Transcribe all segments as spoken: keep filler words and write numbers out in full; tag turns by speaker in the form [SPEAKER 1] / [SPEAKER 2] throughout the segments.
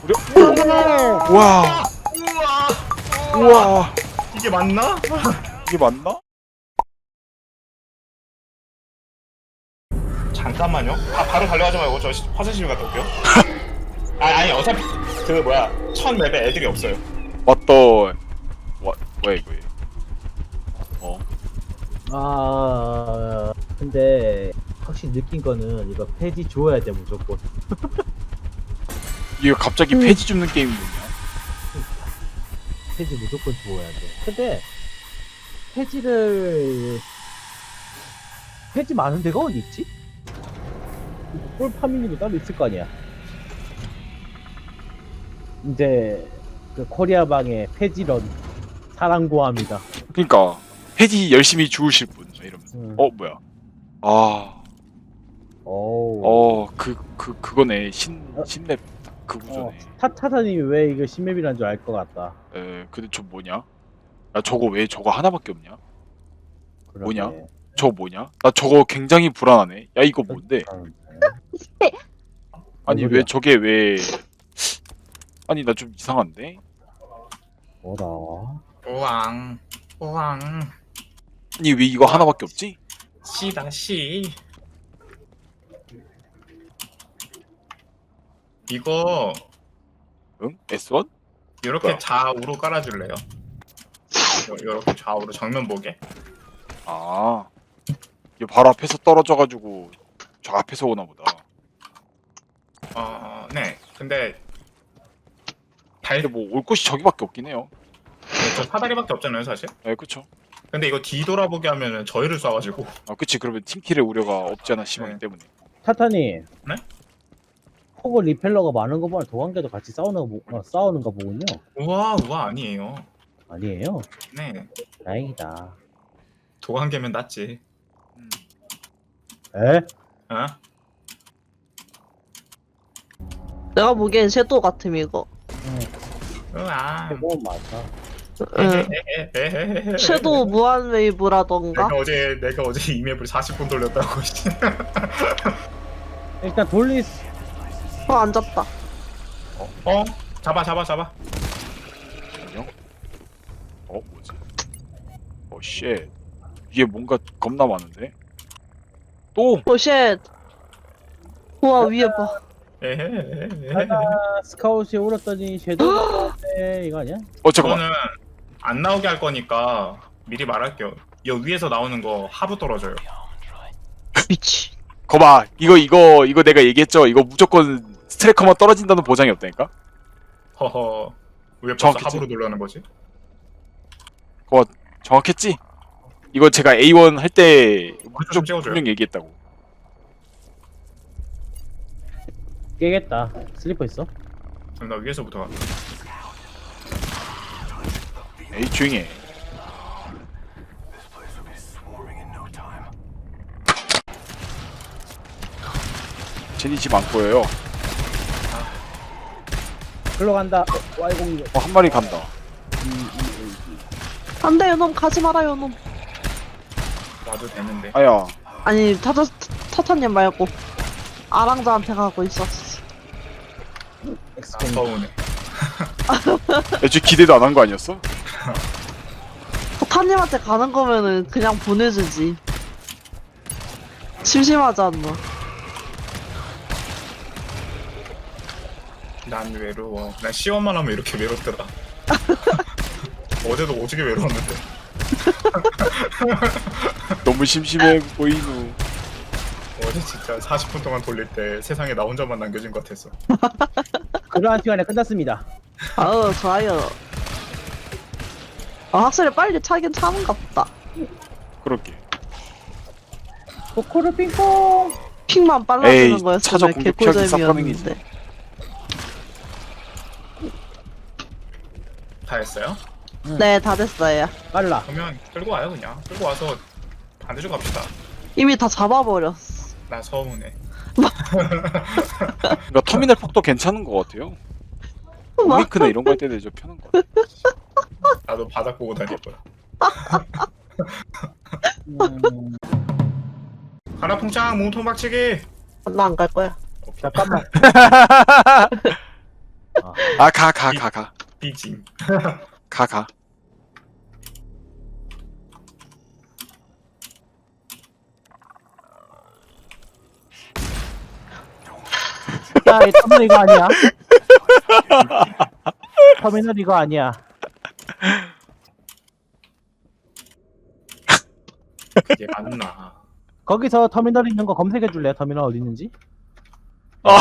[SPEAKER 1] 우리 우와
[SPEAKER 2] 우와.
[SPEAKER 1] 우와
[SPEAKER 2] 이게 맞나?
[SPEAKER 1] 이게 맞나?
[SPEAKER 2] 잠깐만요. 아 바로 달려가지 말고 저 시- 화장실 갔다 올게요. 아 아니 어차피 그 뭐야 첫 맵에 애들이 없어요.
[SPEAKER 1] 맞다. 와 뭐야 이거? 어
[SPEAKER 3] 아 근데 확실히 느낀 거는 이거 폐지 줘야 돼 무조건.
[SPEAKER 1] 이거 갑자기 폐지 줍는 게임이 뭐냐?
[SPEAKER 3] 폐지 무조건 줘야 돼. 근데 폐지를 폐지 많은 데가 어디 있지? 볼 파밍도 따로 있을 거 아니야. 이제 그 코리아 방의 폐지런 사랑 구합니다.
[SPEAKER 1] 그러니까 폐지 열심히 주우실 분 이러면서.
[SPEAKER 3] 음.
[SPEAKER 1] 어 뭐야? 아
[SPEAKER 3] 오.
[SPEAKER 1] 어, 그, 그, 그거네. 신, 신맵 그
[SPEAKER 3] 어,
[SPEAKER 1] 구조네.
[SPEAKER 3] 타 타타님이 왜 이거 신맵이란 줄 알 것 같다.
[SPEAKER 1] 에, 근데 저 뭐냐? 야, 저거 왜 저거 하나밖에 없냐?
[SPEAKER 3] 그러게.
[SPEAKER 1] 뭐냐? 저거 뭐냐? 나 저거 굉장히 불안하네. 야, 이거 뭔데? 아니,
[SPEAKER 3] 소리야?
[SPEAKER 1] 왜 저게 왜. 아니, 나 좀 이상한데?
[SPEAKER 3] 뭐라?
[SPEAKER 2] 우왕 우왕
[SPEAKER 1] 아니, 왜 이거 하나밖에 없지?
[SPEAKER 2] 시다 시. 이거
[SPEAKER 1] 응? 에스 원?
[SPEAKER 2] 이렇게
[SPEAKER 1] 뭐야?
[SPEAKER 2] 좌우로 깔아줄래요? 이렇게 좌우로 정면 보게.
[SPEAKER 1] 아. 이게 바로 앞에서 떨어져가지고 저 앞에서 오나 보다.
[SPEAKER 2] 어, 네. 근데 달,
[SPEAKER 1] 근데 뭐 올 곳이 저기밖에 없긴 해요.
[SPEAKER 2] 저 사다리밖에 없잖아요, 사실.
[SPEAKER 1] 에, 그쵸?
[SPEAKER 2] 근데 이거 뒤돌아보게 하면은 저희를 쏴가지고.
[SPEAKER 1] 아, 그치. 그러면 팀킬의 우려가 없지 않아 심하기
[SPEAKER 2] 네.
[SPEAKER 1] 때문에.
[SPEAKER 3] 타타님.
[SPEAKER 2] 네?
[SPEAKER 3] 포고 리펠러가 많은 거 보면 도관계도 같이 싸우는 거, 보- 어, 싸우는 거 보군요.
[SPEAKER 2] 우와, 우와, 아니에요.
[SPEAKER 3] 아니에요?
[SPEAKER 2] 네.
[SPEAKER 3] 다행이다.
[SPEAKER 2] 도관계면 낫지.
[SPEAKER 1] 음.
[SPEAKER 3] 에?
[SPEAKER 2] 어?
[SPEAKER 4] 내가 보기엔 섀도우 같음 이거.
[SPEAKER 2] 우와.
[SPEAKER 3] 최고 맞아.
[SPEAKER 4] 응.
[SPEAKER 2] 에헤헤헤헤헤헤.
[SPEAKER 4] 섀도우 무한 웨이브라던가.
[SPEAKER 2] 내가 어제, 내가 어제 이맵을 사십 분 돌렸다고. 씨.
[SPEAKER 3] 일단 돌리
[SPEAKER 4] 어 앉았다.
[SPEAKER 2] 어? 잡아, 잡아, 잡아.
[SPEAKER 1] 안녕? 어 뭐지? 어 쉣. 위에 뭔가 겁나 많은데? 또!
[SPEAKER 4] 오쉣. 우와 위에 봐.
[SPEAKER 2] 에헤헤헤헤.
[SPEAKER 3] 하나 스카웃이 울었더니 섀도우 네 이거 아니야?
[SPEAKER 1] 어 잠깐만.
[SPEAKER 2] 저는 안 나오게 할 거니까 미리 말할게요. 여 위에서 나오는 거 하부 떨어져요.
[SPEAKER 4] 미치.
[SPEAKER 1] 거봐 이거 이거 이거 내가 얘기했죠. 이거 무조건 스트레커만 떨어진다는 보장이 없다니까?
[SPEAKER 2] 허허. 왜 벌써
[SPEAKER 1] 정확했지?
[SPEAKER 2] 하부로 돌려는 거지?
[SPEAKER 1] 거봐 정확했지? 이거 제가 에이 원 할 때
[SPEAKER 2] 좀
[SPEAKER 1] 무조건
[SPEAKER 2] 찍어줘요.
[SPEAKER 1] 분명 얘기했다고.
[SPEAKER 3] 깨겠다. 슬리퍼 있어?
[SPEAKER 2] 그럼 나 위에서부터 가.
[SPEAKER 1] 에이 조용히 해. 제니 집 안 보여요.
[SPEAKER 3] 글로 간다. 와이공이
[SPEAKER 1] 어, 한 마리 간다.
[SPEAKER 4] 안돼 요놈 가지 마라 요놈.
[SPEAKER 2] 와도 되는데.
[SPEAKER 1] 아야.
[SPEAKER 4] 아니 타타 타타님 말고 아랑자한테 가고 있었어.
[SPEAKER 2] 아,
[SPEAKER 3] 엑스펜.
[SPEAKER 2] 서운해.
[SPEAKER 1] 애초에 기대도 안 한 거 아니었어?
[SPEAKER 4] 타타님한테 가는 거면은 그냥 보내주지. 심심하지 않나?
[SPEAKER 2] 난 외로워. 난 시험만 하면 이렇게 외롭더라. 어제도 오지게 외로웠는데.
[SPEAKER 1] 너무 심심해 보이누.
[SPEAKER 2] 어제 진짜 사십 분 동안 돌릴 때 세상에 나 혼자만 남겨진 것 같았어.
[SPEAKER 3] 그러한 시간에 끝났습니다.
[SPEAKER 4] 아우 좋아요. 아 확실히 빨리 차긴 차는가 보다.
[SPEAKER 1] 그렇게.
[SPEAKER 3] 코코르 핑퐁.
[SPEAKER 4] 픽만
[SPEAKER 1] 에이,
[SPEAKER 4] 빨라지는
[SPEAKER 1] 차저
[SPEAKER 4] 거였으면
[SPEAKER 1] 공격 피하기
[SPEAKER 4] 개꿀잼이었는데.
[SPEAKER 2] 다 했어요?
[SPEAKER 4] 네 다 됐어요.
[SPEAKER 3] 빨라.
[SPEAKER 2] 그러면 끌고 와요 그냥. 끌고 와서 반대쪽 갑시다.
[SPEAKER 4] 이미 다 잡아버렸어.
[SPEAKER 2] 나 서운해.
[SPEAKER 1] 그러니까 터미널 폭도 괜찮은 것 같아요.
[SPEAKER 4] 뭐?
[SPEAKER 1] 오리크나 이런 거 할 때도 좀 편한 것 같아.
[SPEAKER 2] 나도 바닥 보고 다닐 거야.
[SPEAKER 3] 음,
[SPEAKER 2] 하나 풍창 몸통 박치기.
[SPEAKER 4] 나 안 갈 거야.
[SPEAKER 3] 잠깐만. 아,
[SPEAKER 1] 아 가 가 가 가
[SPEAKER 2] 삐짐.
[SPEAKER 1] 가 가.
[SPEAKER 3] 야, 이 터미널 이거 아니야. 터미널 이거 아니야.
[SPEAKER 2] 이게 맞나?
[SPEAKER 3] 거기서 터미널 있는 거 검색해 줄래요? 터미널 어디 있는지?
[SPEAKER 1] 아.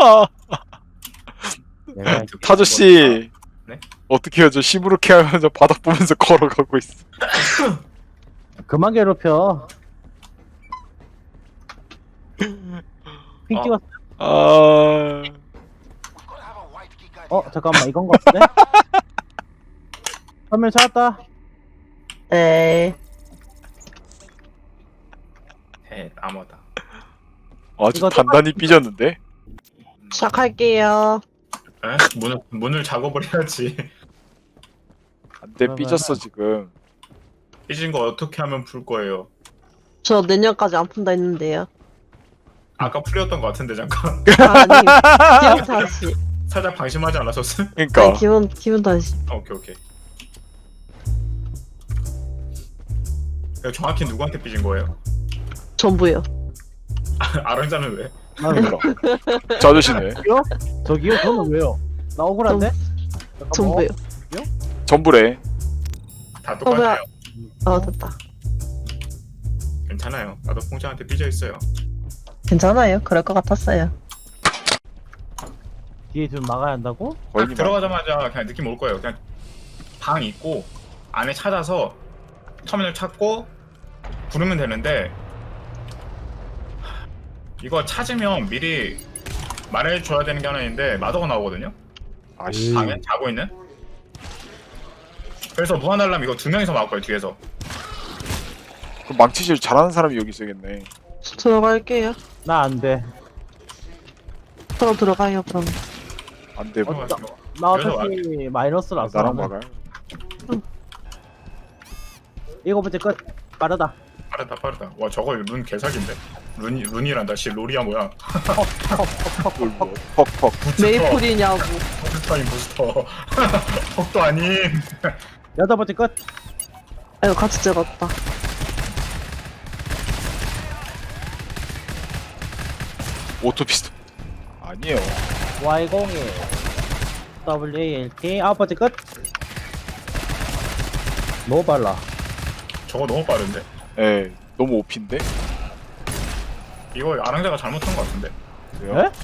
[SPEAKER 3] 내가
[SPEAKER 1] 타조씨
[SPEAKER 2] 네?
[SPEAKER 1] 어떻게 해요? 저 시무룩해 하면서 바닥 보면서 걸어가고 있어.
[SPEAKER 3] 그만 괴롭혀. 핑
[SPEAKER 2] 어.
[SPEAKER 3] 찍었어.
[SPEAKER 1] 아
[SPEAKER 3] 어, 잠깐만, 이건 거 같은데? 터미널 찾았다.
[SPEAKER 4] 네.
[SPEAKER 2] 해 나무다.
[SPEAKER 1] 아주
[SPEAKER 3] 이거
[SPEAKER 1] 단단히 삐졌는데?
[SPEAKER 4] 시작할게요.
[SPEAKER 2] 에? 문을 문을 작업을 해야지.
[SPEAKER 1] 안돼
[SPEAKER 3] 그러면은-
[SPEAKER 1] 삐졌어 지금.
[SPEAKER 2] 삐진 거 어떻게 하면 풀 거예요?
[SPEAKER 4] 저 내년까지 안 푼다 했는데요.
[SPEAKER 2] 아까 풀렸던 거 같은데 잠깐.
[SPEAKER 4] 아, 아니, 기분 다시.
[SPEAKER 2] 살짝 방심하지 않았었어?
[SPEAKER 1] 그러니까
[SPEAKER 4] 아니, 기분, 기분 다시.
[SPEAKER 2] 아, 오케이 오케이. 이거 정확히 누구한테 삐진 거예요?
[SPEAKER 4] 전부요.
[SPEAKER 2] 아랑자는 왜?
[SPEAKER 3] 나는
[SPEAKER 1] 몰라. 저 아저씨네.
[SPEAKER 3] 저기요? 저기요? 저는 왜요? 나 억울한데? 잠깐만.
[SPEAKER 4] 전부요.
[SPEAKER 1] 전부래.
[SPEAKER 2] 다
[SPEAKER 4] 어, 뭐야.
[SPEAKER 2] 똑같아요.
[SPEAKER 4] 어, 됐다.
[SPEAKER 2] 괜찮아요. 나도 풍자한테 삐져 있어요.
[SPEAKER 4] 괜찮아요. 그럴 것 같았어요.
[SPEAKER 3] 뒤에 좀 막아야 한다고?
[SPEAKER 1] 거의
[SPEAKER 2] 딱 들어가자마자 그냥 느낌 올 거예요. 그냥 방 있고 안에 찾아서 터미널 찾고 부르면 되는데 이거 찾으면 미리 말해줘야 되는 게 하나 있는데 마더가 나오거든요.
[SPEAKER 1] 아씨.
[SPEAKER 2] 방에 자고 있는. 그래서 무한 알람 이거 두 명이서 막을 거예요 뒤에서.
[SPEAKER 1] 그럼 망치질 잘하는 사람이 여기 있어야겠네.
[SPEAKER 4] 들어갈게요.
[SPEAKER 3] 나 안 돼.
[SPEAKER 4] 그럼 들어가요, 그럼.
[SPEAKER 1] 안돼 뭐.
[SPEAKER 3] 나, 나
[SPEAKER 2] 그래서
[SPEAKER 3] 어차피 마이너스라서.
[SPEAKER 1] 나랑 막아요.
[SPEAKER 3] 일곱 번째 끝. 빠르다.
[SPEAKER 2] 빠르다 빠르다. 와 저거 룬 개사기인데. 룬 룬이란다. 씨 롤이야 뭐야.
[SPEAKER 1] 퍽퍽.
[SPEAKER 4] 메이플이냐고.
[SPEAKER 2] 부스터인 부스터. 퍽도 아닌.
[SPEAKER 3] 여덟 번째 끝.
[SPEAKER 4] 아이고, 같이 찍었다.
[SPEAKER 1] 오토피스톨. 아니에요.
[SPEAKER 3] 와이 공일. 더블유 에이 엘 티. 아홉 번째 끝. 너무 빨라.
[SPEAKER 2] 저거 너무 빠른데.
[SPEAKER 1] 예. 너무 오피인데?
[SPEAKER 2] 이거 아랑자가 잘못한 것 같은데.
[SPEAKER 1] 왜요?
[SPEAKER 3] 에?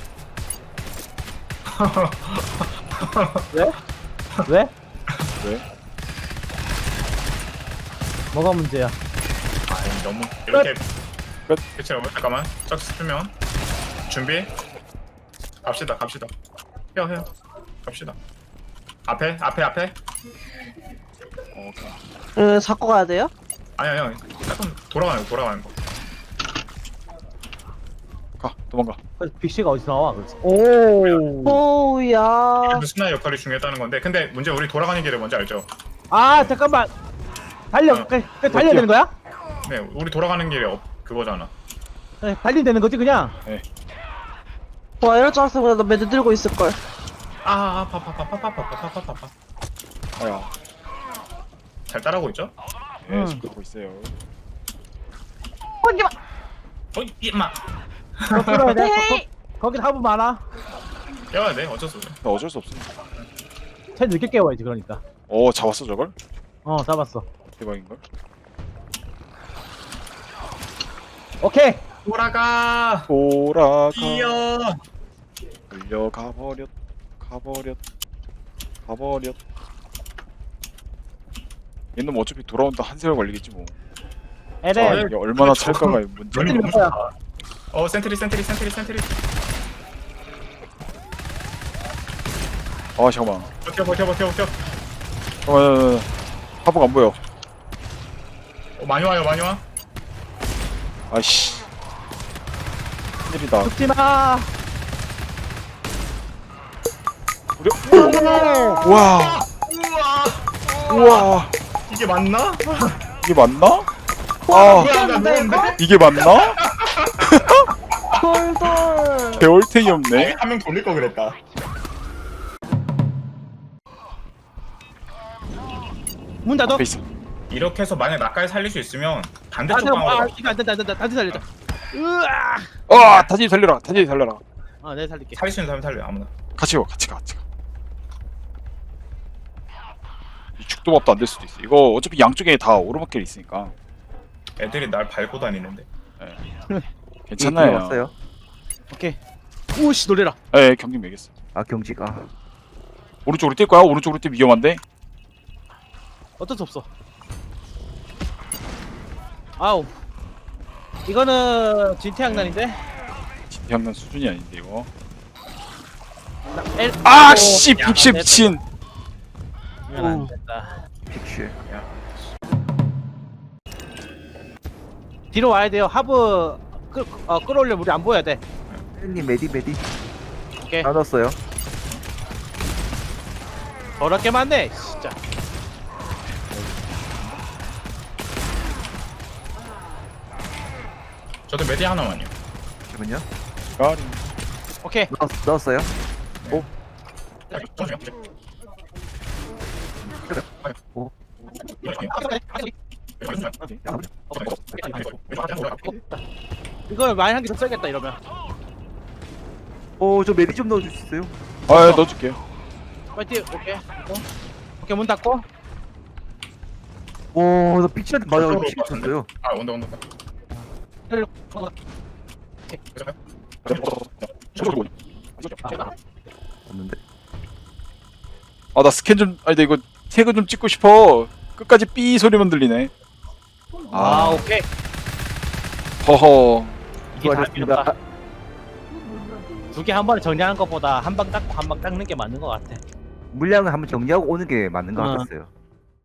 [SPEAKER 3] 왜? 왜?
[SPEAKER 1] 왜?
[SPEAKER 3] 뭐가 문제야?
[SPEAKER 2] 아니 너무 이렇게
[SPEAKER 1] 끝.
[SPEAKER 2] 그치 여러분 잠깐만 짝 쓰면 준비 갑시다 갑시다 해요 해요 갑시다 앞에 앞에 앞에
[SPEAKER 1] 어, 오케이.
[SPEAKER 4] 응, 잡고 가야 돼요?
[SPEAKER 2] 아니 아니 아니 약간 돌아가는 거 돌아가는 거
[SPEAKER 1] 가 도망가.
[SPEAKER 3] 그래서 빅시가 어디서 나와? 그래서. 오.
[SPEAKER 4] 오우야.
[SPEAKER 2] 그래도 스나의 역할이 중요했다는 건데 근데 문제 우리 돌아가는 길에 뭔지 알죠?
[SPEAKER 3] 아 잠깐만. 달려.
[SPEAKER 2] 어.
[SPEAKER 3] 그, 그 달려야 되는 거야?
[SPEAKER 2] 네 우리 돌아가는 길에 업 그거잖아
[SPEAKER 3] 네, 달리면 되는 거지 그냥.
[SPEAKER 4] 와, 이럴 줄 알았으면 그냥 나 매드 들고 있을걸.
[SPEAKER 2] 아 파파파파파파파파파파
[SPEAKER 1] 아야.
[SPEAKER 2] 잘 따라오고 있죠?
[SPEAKER 1] 예,
[SPEAKER 3] 음.
[SPEAKER 1] 지금 그러고 있어요.
[SPEAKER 4] 거기 봐.
[SPEAKER 2] 어이 이마
[SPEAKER 3] 거 뚫어야 돼.
[SPEAKER 4] 헤이.
[SPEAKER 3] 거, 거기 하부 많아.
[SPEAKER 2] 깨워야 돼 어쩔 수 없어
[SPEAKER 1] 나 어쩔 수 없어.
[SPEAKER 3] 쟤 늦게 깨워야지 그러니까.
[SPEAKER 1] 어, 잡았어 저걸?
[SPEAKER 3] 어 잡았어.
[SPEAKER 1] 대박인걸?
[SPEAKER 3] 오케이.
[SPEAKER 2] 돌아가
[SPEAKER 1] 돌아가.
[SPEAKER 2] 뛰어
[SPEAKER 1] 끌려가 버렸. 가버렸. 가버렸. 얘는 어차피 돌아온다 한 세월 걸리겠지 뭐. 아,
[SPEAKER 3] 에레.
[SPEAKER 1] 이게 얼마나 찰까가 문제.
[SPEAKER 2] 룬이
[SPEAKER 3] 몇
[SPEAKER 2] 너무
[SPEAKER 3] 거야?
[SPEAKER 2] 좋다 어 센트리 센트리 센트리 센트리
[SPEAKER 1] 아 잠깐만.
[SPEAKER 2] 버텨 버텨 버텨 버텨
[SPEAKER 1] 잠깐만. 하부가 안 보여.
[SPEAKER 2] 어, 많이 와요 많이 와
[SPEAKER 1] 아이씨. 큰일이다.
[SPEAKER 3] 죽지 마.
[SPEAKER 1] 우리. 우와. 우와.
[SPEAKER 2] 이게 맞나?
[SPEAKER 1] 이게 맞나? 아,
[SPEAKER 2] 뭐야 나 누웠는데?
[SPEAKER 1] 이게 맞나?
[SPEAKER 4] 돌돌.
[SPEAKER 1] 배월탱이 없네.
[SPEAKER 2] 한 명 돌릴 거 그랬다
[SPEAKER 5] 문 닫아.
[SPEAKER 1] 앞에 있어.
[SPEAKER 2] 이렇게 해서 만약 나까지 살릴 수 있으면
[SPEAKER 5] 아,
[SPEAKER 2] 반대쪽
[SPEAKER 5] 잠깐만. 아,
[SPEAKER 2] 방으로
[SPEAKER 5] 이거 안 된다, 안 된다. 단지 살리자. 으아.
[SPEAKER 1] 어, 다시 살려라. 다시 살려라.
[SPEAKER 5] 아, 내가 살릴게.
[SPEAKER 2] 살릴 수 있는 사람 살려 아무나.
[SPEAKER 1] 같이 가, 같이 가, 같이 가. 이 죽도밥도 안 될 수도 있어. 이거 어차피 양쪽에 다 오르막길 있으니까
[SPEAKER 2] 애들이 날 밟고 다니는데.
[SPEAKER 1] 괜찮아요.
[SPEAKER 6] 왔어요.
[SPEAKER 5] 오케이. 오씨 놀래라.
[SPEAKER 1] 예, 경기 매겼어.
[SPEAKER 6] 아 경직 아
[SPEAKER 1] 오른쪽으로 뛸 거야? 오른쪽으로 뛰면 위험한데?
[SPEAKER 5] 어쩔 수 없어. 아우. 이거는 진태양난인데.
[SPEAKER 1] 진태양난 수준이 아닌데 이거.
[SPEAKER 5] 나, 엘,
[SPEAKER 1] 아,
[SPEAKER 5] 아이고.
[SPEAKER 1] 씨,
[SPEAKER 5] 야,
[SPEAKER 1] 빅시
[SPEAKER 5] 안 됐다.
[SPEAKER 1] 미친.
[SPEAKER 5] 이건 안 됐다.
[SPEAKER 6] 픽슈.
[SPEAKER 5] 뒤로 와야 돼요. 하부 끌, 어, 끌어올려 우리 안 보여야 돼.
[SPEAKER 6] 님 메디 메디.
[SPEAKER 5] 오케이.
[SPEAKER 6] 다 넣었어요.
[SPEAKER 5] 더럽게 많네. 진짜.
[SPEAKER 2] 저도 메디 하나만요.
[SPEAKER 6] 잠깐만요.
[SPEAKER 1] 가리.
[SPEAKER 5] 오케이.
[SPEAKER 6] 넣었, 넣었어요. 오.
[SPEAKER 5] 이걸 많이 한 개 더 써야겠다 이러면.
[SPEAKER 6] 오저 메디 좀 넣어줄 수 있어요?
[SPEAKER 1] 아, 넣어줄게요.
[SPEAKER 5] 파이팅. 오케이. 어? 오케이 문 닫고.
[SPEAKER 6] 오나 픽슈한테 맞아 픽슈 쳤어요.
[SPEAKER 2] 아 온다 온다.
[SPEAKER 6] 없는데.
[SPEAKER 1] 아, 나 스캔 좀, 아니, 나 이거 태그 좀 찍고 싶어. 끝까지 삐 소리만 들리네.
[SPEAKER 5] 아,
[SPEAKER 1] 아,
[SPEAKER 5] 오케이.
[SPEAKER 1] 허허.
[SPEAKER 5] 이게 다
[SPEAKER 6] 수고하셨습니다.
[SPEAKER 5] 필요하다. 두 개 한 번에 정리하는 것보다 한 방 닦고 한 방 닦는 게 맞는 것 같아.
[SPEAKER 6] 물량을 한번 정리하고 오는 게 맞는 것
[SPEAKER 5] 어.
[SPEAKER 6] 같았어요.